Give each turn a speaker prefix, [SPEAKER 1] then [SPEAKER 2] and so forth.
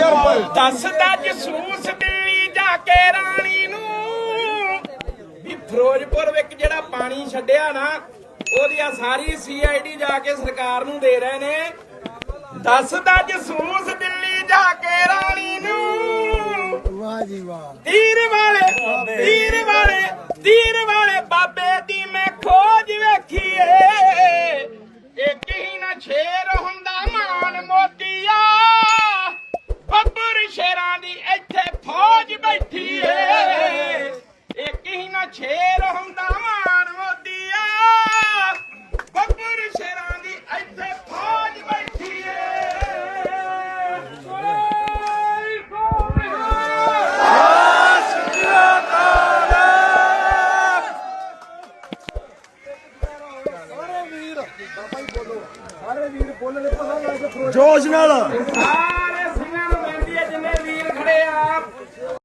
[SPEAKER 1] ਦੱਸਦਾ ਜਸੂਸ ਦਿੱਲੀ ਜਾ ਕੇ ਰਾਣੀ ਨੂੰ ਵੀ ਫਿਰੋਜ਼ਪੁਰ ਵਿੱਚ ਜਿਹੜਾ ਪਾਣੀ ਛੱਡਿਆ ਨਾ ਉਹਦੀ ਸਾਰੀ CID ਜਾ ਕੇ ਸਰਕਾਰ ਨੂੰ ਦੇ ਰਹੇ ਨੇ। ਦੱਸਦਾ ਜਸੂਸ